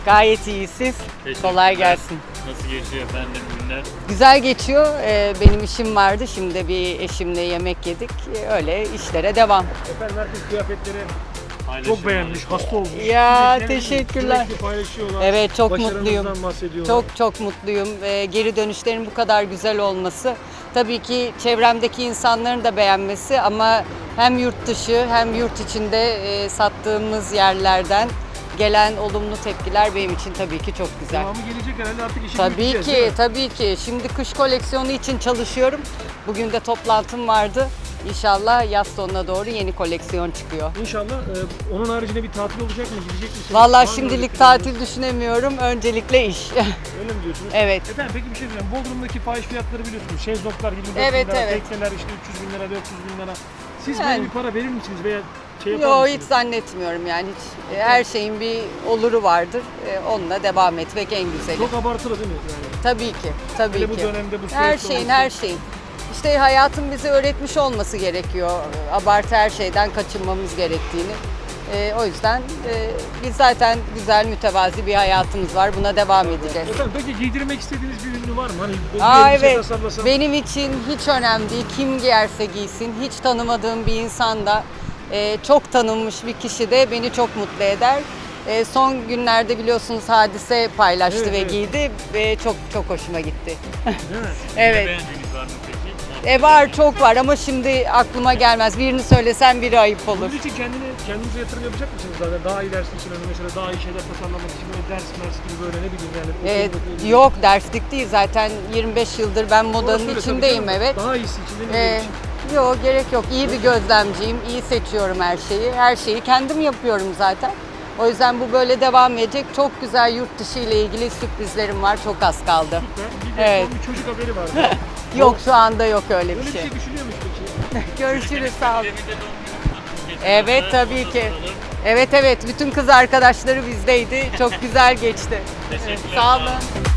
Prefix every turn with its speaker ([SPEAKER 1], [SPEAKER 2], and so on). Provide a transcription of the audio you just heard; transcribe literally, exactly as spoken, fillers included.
[SPEAKER 1] Gayet iyi siz. Kolay gelsin.
[SPEAKER 2] Nasıl geçiyor efendim günler?
[SPEAKER 1] Güzel geçiyor. Ee, benim işim vardı. Şimdi bir eşimle yemek yedik. Ee, Öyle işlere devam.
[SPEAKER 3] Efendim herkes kıyafetleri
[SPEAKER 2] Paylaşım
[SPEAKER 3] çok beğenmiş, hasta olmuş.
[SPEAKER 1] Ya,
[SPEAKER 3] Sürekli-
[SPEAKER 1] teşekkürler.
[SPEAKER 3] Sürekli paylaşıyorlar.
[SPEAKER 1] Evet, çok
[SPEAKER 3] Başarınızdan
[SPEAKER 1] mutluyum.
[SPEAKER 3] bahsediyorlar.
[SPEAKER 1] Çok çok mutluyum. Ee, geri dönüşlerin bu kadar güzel olması. Tabii ki çevremdeki insanların da beğenmesi ama hem yurt dışı hem yurt içinde e, sattığımız yerlerden gelen olumlu tepkiler benim için tabii ki çok güzel.
[SPEAKER 3] Devamı gelecek herhalde artık işi
[SPEAKER 1] Tabii
[SPEAKER 3] büyüteceğiz, değil
[SPEAKER 1] ki,
[SPEAKER 3] mi?
[SPEAKER 1] tabii ki. Şimdi kış koleksiyonu için çalışıyorum. Bugün de toplantım vardı. İnşallah yaz sonuna doğru yeni koleksiyon çıkıyor.
[SPEAKER 3] İnşallah e, onun haricinde bir tatil olacak mı? Gidecek misiniz? Var
[SPEAKER 1] Vallahi
[SPEAKER 3] mı
[SPEAKER 1] şimdilik
[SPEAKER 3] öyle planınız?
[SPEAKER 1] tatil düşünemiyorum. Öncelikle iş.
[SPEAKER 3] Öyle mi diyorsunuz?
[SPEAKER 1] Evet.
[SPEAKER 3] Efendim peki bir şey diyeceğim. Bodrum'daki fahiş fiyatları biliyorsunuz. Şezlonglar yirmi dört
[SPEAKER 1] Evet,
[SPEAKER 3] bin lira,
[SPEAKER 1] evet.
[SPEAKER 3] tekneler işte üç yüz bin lira, dört yüz bin lira. Siz
[SPEAKER 1] Yani.
[SPEAKER 3] böyle bir para verir misiniz veya şey yapar
[SPEAKER 1] Yo, hiç
[SPEAKER 3] mısınız?
[SPEAKER 1] zannetmiyorum yani hiç. E, Her şeyin bir oluru vardır. E, Onunla devam etmek en güzeli.
[SPEAKER 3] Çok abartılı değil mi? Yani
[SPEAKER 1] Tabii ki, tabii
[SPEAKER 3] Hele
[SPEAKER 1] ki.
[SPEAKER 3] bu dönemde bu
[SPEAKER 1] Her
[SPEAKER 3] süreçte
[SPEAKER 1] şeyin,
[SPEAKER 3] olması-
[SPEAKER 1] her şeyin. İşte hayatın bize öğretmiş olması gerekiyor. Abartı her şeyden kaçınmamız gerektiğini. E, o yüzden e, biz zaten güzel, mütevazi bir hayatımız var. Buna devam edeceğiz.
[SPEAKER 3] Efendim peki giydirmek istediğiniz bir ünlü var mı? Hani bu
[SPEAKER 1] Aa,
[SPEAKER 3] bir elbise
[SPEAKER 1] evet.
[SPEAKER 3] tasarlasam-
[SPEAKER 1] Benim için hiç önemli değil. Kim giyerse giysin. Hiç tanımadığım bir insan da e, çok tanınmış bir kişi de beni çok mutlu eder. E, son günlerde biliyorsunuz Hadise paylaştı
[SPEAKER 3] Evet,
[SPEAKER 1] ve
[SPEAKER 3] evet.
[SPEAKER 1] giydi ve çok çok hoşuma gitti.
[SPEAKER 3] Değil mi?
[SPEAKER 1] Evet.
[SPEAKER 2] Beğendiğiniz var mı peki?
[SPEAKER 1] E var, çok var ama şimdi aklıma gelmez. Birini söylesem biri ayıp olur.
[SPEAKER 3] Bunun için kendini, kendinize yatırım yapacak mısınız zaten? Daha iyi ders için, hani mesela daha iyi şeyler tasarlamak için böyle ders mers gibi böyle ne bileyim yani.
[SPEAKER 1] E,
[SPEAKER 3] okuldaki gibi.
[SPEAKER 1] yok, derslik değil zaten. yirmi beş yıldır ben
[SPEAKER 3] Orası
[SPEAKER 1] modanın
[SPEAKER 3] öyle tabii
[SPEAKER 1] içindeyim,
[SPEAKER 3] canım.
[SPEAKER 1] evet.
[SPEAKER 3] Daha iyisi için de ne
[SPEAKER 1] Ee,
[SPEAKER 3] için.
[SPEAKER 1] yok, gerek yok. İyi bir gözlemciyim. İyi seçiyorum her şeyi. Her şeyi kendim yapıyorum zaten. O yüzden bu böyle devam edecek. Çok güzel yurt dışı ile ilgili sürprizlerim var. Çok az kaldı.
[SPEAKER 3] Süper. Bir de
[SPEAKER 1] Evet.
[SPEAKER 3] son bir çocuk haberi var.
[SPEAKER 1] Yok, şu anda yok öyle
[SPEAKER 3] Öyle
[SPEAKER 1] bir
[SPEAKER 3] bir
[SPEAKER 1] şey.
[SPEAKER 3] şey düşünüyor musun peki?
[SPEAKER 1] Görüşürüz, sağ olun.
[SPEAKER 2] Cemil'de doğum günü kutlu.
[SPEAKER 1] Evet, tabii ki. Evet evet, bütün kız arkadaşları bizdeydi. Çok güzel geçti.
[SPEAKER 2] Teşekkürler.
[SPEAKER 1] Sağ olun.